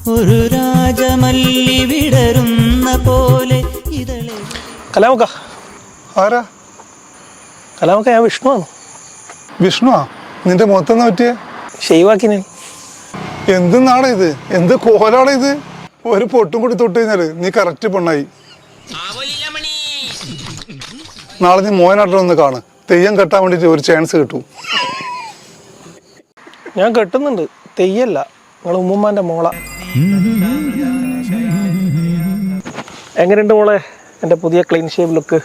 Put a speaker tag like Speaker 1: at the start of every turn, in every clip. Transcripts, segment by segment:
Speaker 1: ഒരു രാജമല്ലി വിടരുന്ന പോലെ ഇതളെ.
Speaker 2: കലാമക്ക
Speaker 3: ആരാ?
Speaker 2: കലാമക്ക, ഞാൻ വിഷ്ണുവാണ്.
Speaker 3: വിഷ്ണുവാ? നിന്റെ മുഖത്തെന്നാ പറ്റിയേ?
Speaker 2: ഷെയ്വാക്കി ഞാൻ.
Speaker 3: എന്തെന്നാണ് ഇത്? എന്ത് കോലാണ് ഇത്? ഒരു പൊട്ടും കൂടി തൊട്ട് കഴിഞ്ഞാല് നീ കറക്റ്റ് പെണ്ണായി. നാളെ നീ മോയനാട്ടിലൊന്ന് കാണ്. തെയ്യം കെട്ടാൻ വേണ്ടിട്ട് ഒരു ചാൻസ് കിട്ടും.
Speaker 2: ഞാൻ കെട്ടുന്നുണ്ട്, തെയ്യല്ല. നിങ്ങൾ ഉമ്മുമ്മാന്റെ മോള. എങ്ങനെയുണ്ട് മോളെ എൻ്റെ പുതിയ ക്ലീൻ ഷേവ് ലുക്ക്?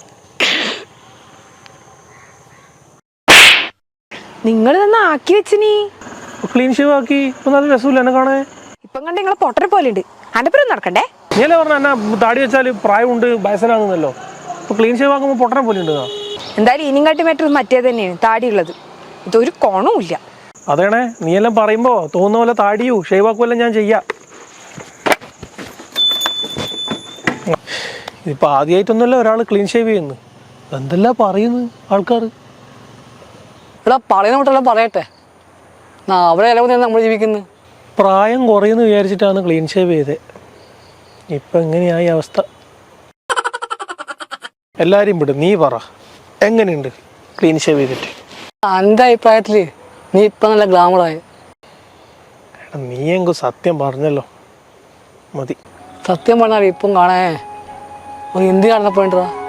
Speaker 4: നിങ്ങൾ തന്നെ ആക്കി വെച്ചിനി.
Speaker 2: ക്ലീൻ ഷേവ് ആക്കി. ഇപ്പൊ നല്ല രസമില്ല എന്നെ കാണേ.
Speaker 4: ഇപ്പം കണ്ട് നിങ്ങളെ പൊട്ടരെ പോലെ ഉണ്ട്. അനപ്പുറം നടക്കണ്ടേ?
Speaker 2: നീയല്ലേ പറഞ്ഞ എന്നെ താടി വെച്ചാൽ പ്രായമുണ്ട്, വയസ്സനാകുന്നല്ലോ. ഇപ്പൊ ക്ലീൻ ഷേവ് ആക്കുമ്പോൾ പൊട്ടനെ പോലെ ഉണ്ട്.
Speaker 4: എന്തായാലും ഇനിയും കാട്ടി മറ്റൊരു മറ്റേ തന്നെയാണ് താടിയുള്ളത്. ഇതൊരു കോണവും ഇല്ല.
Speaker 2: അതേണേ, നീയെല്ലാം പറയുമ്പോ തോന്നുന്ന പോലെ താടിയൂ ഷേവ് ആക്കുമല്ലോ ഞാൻ ചെയ്യാം. ഇതിപ്പോ ആദ്യമായിട്ടൊന്നുമല്ല ഒരാൾ ക്ലീൻ ഷേവ് ചെയ്യുന്നു. എന്തെല്ലാം പറയുന്നു ആൾക്കാർ.
Speaker 5: ഇവിടെ പറയുന്ന കൂട്ടെല്ലാം പറയട്ടെ. അവിടെ ഇലവുന്ന നമ്മൾ ജീവിക്കുന്നത്.
Speaker 2: പ്രായം കുറയുമെന്ന് വിചാരിച്ചിട്ടാണ് ക്ലീൻ ഷേവ് ചെയ്തത്. ഇപ്പം എങ്ങനെയായി അവസ്ഥ? എല്ലാവരും വിടും, നീ പറ എങ്ങനെയുണ്ട് ക്ലീൻ ഷേവ് ചെയ്തിട്ട്?
Speaker 5: എൻ്റെ അഭിപ്രായത്തിൽ നീ ഇപ്പം നല്ല ഗ്ലാമറായി.
Speaker 2: നീ എങ്കും സത്യം പറഞ്ഞല്ലോ, മതി.
Speaker 5: സത്യം പറഞ്ഞാൽ ഇപ്പം കാണേ എന്ത് കാണപ്പോയിട്ടാ.